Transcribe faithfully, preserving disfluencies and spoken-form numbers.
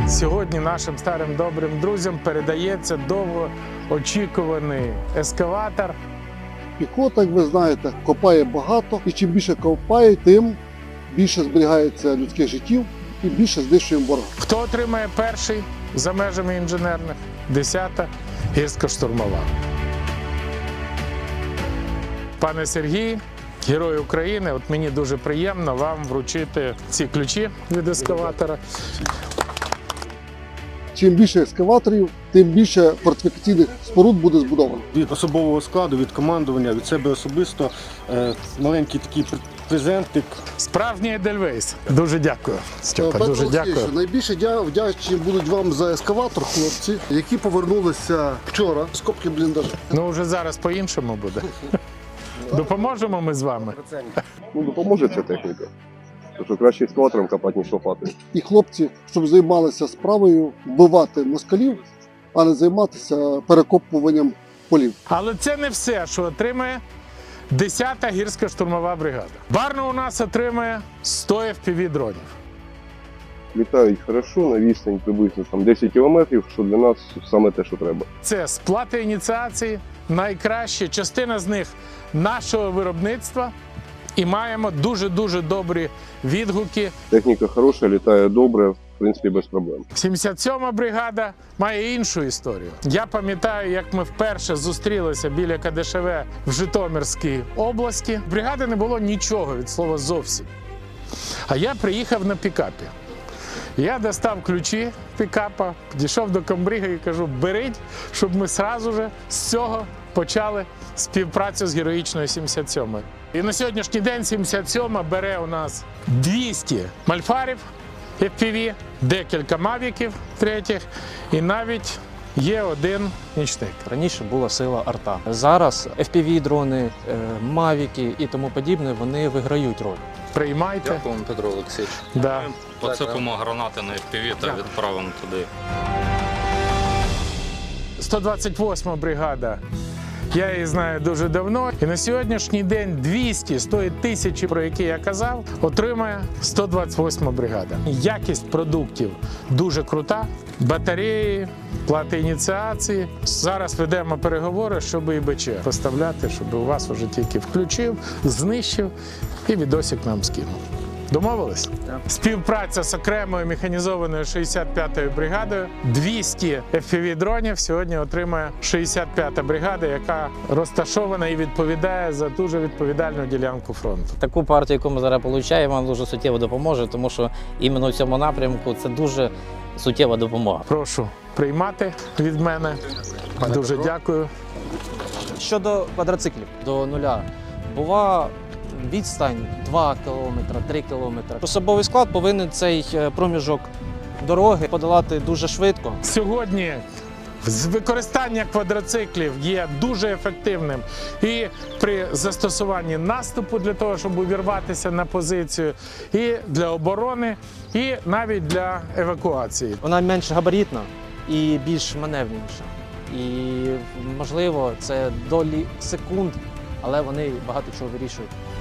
Сьогодні нашим старим добрим друзям передається довгоочікуваний ескаватор. Піхота, як ви знаєте, копає багато, і чим більше копає, тим більше зберігається людських життів і більше знищуємо ворога. Хто отримає перший за межами інженерних? десята гірсько-штурмова. Пане Сергій, Герой України, от мені дуже приємно вам вручити ці ключі від ескаватора. Чим більше ескаваторів, тим більше фортифікаційних споруд буде збудовано. Від особового складу, від командування, від себе особисто е, маленький такий презентик. Справжній Едельвейс. Дуже дякую, Степа, Петро дуже Олексійовичу, дякую. найбільше дя- вдячні будуть вам за ескаватор, хлопці, які повернулися вчора з копки бліндажу. Ну, вже зараз по-іншому буде. Допоможемо ми з вами? Ну, допоможе ця техніка. Тому що краще ескалатором копати, ніж лопати. І хлопці, щоб займалися справою вбивати москалів, а не займатися перекопуванням полів. Але це не все, що отримає десята гірсько-штурмова бригада. Барна у нас отримає сто еф пі ві дронів. Літають хорошо, на відстань приблизно там, десять кілометрів, що для нас саме те, що треба. Це сплати ініціації, найкращі, частина з них нашого виробництва. І маємо дуже-дуже добрі відгуки. Техніка хороша, літає добре, в принципі, без проблем. сімдесят сьома бригада має іншу історію. Я пам'ятаю, як ми вперше зустрілися біля ка де ше ве в Житомирській області. В бригади не було нічого від слова зовсім. А я приїхав на пікапі. Я достав ключі пікапа, підійшов до комбрига і кажу, беріть, щоб ми одразу ж з цього почали співпрацю з героїчною сімдесят сьомою. І на сьогоднішній день сімдесят сьома бере у нас двісті мальфарів еф пі ві, декілька мавіків третіх і навіть є один нічник. Раніше була сила арта. Зараз еф пі ві-дрони, мавіки і тому подібне, вони виграють роль. Приймайте. Дякуємо, Петро Олексійович. Да. Посипемо гранати на еф пі ві та відправимо туди. сто двадцять восьма бригада. Я її знаю дуже давно. І на сьогоднішній день двісті з тої тисячі, про які я казав, отримає сто двадцять восьма бригада. Якість продуктів дуже крута. Батареї, плати ініціації. Зараз ведемо переговори, щоб і БЧ поставляти, щоб у вас уже тільки включив, знищив і відосик нам скинув. Домовились? Співпраця з окремою механізованою шістдесят п'ятою бригадою. двісті еф пі ві-дронів сьогодні отримає шістдесят п'ята бригада, яка розташована і відповідає за дуже відповідальну ділянку фронту. Таку партію, яку ми зараз отримуємо, вам дуже суттєво допоможе, тому що іменно в цьому напрямку це дуже суттєва допомога. Прошу приймати від мене. Дуже дякую. Щодо квадроциклів, до нуля була відстань два кілометри, три кілометри. Особовий склад повинен цей проміжок дороги подолати дуже швидко. Сьогодні використання квадроциклів є дуже ефективним і при застосуванні наступу для того, щоб увірватися на позицію, і для оборони, і навіть для евакуації. Вона менш габаритна і більш маневреніша. І, можливо, це долі секунд, але вони багато чого вирішують.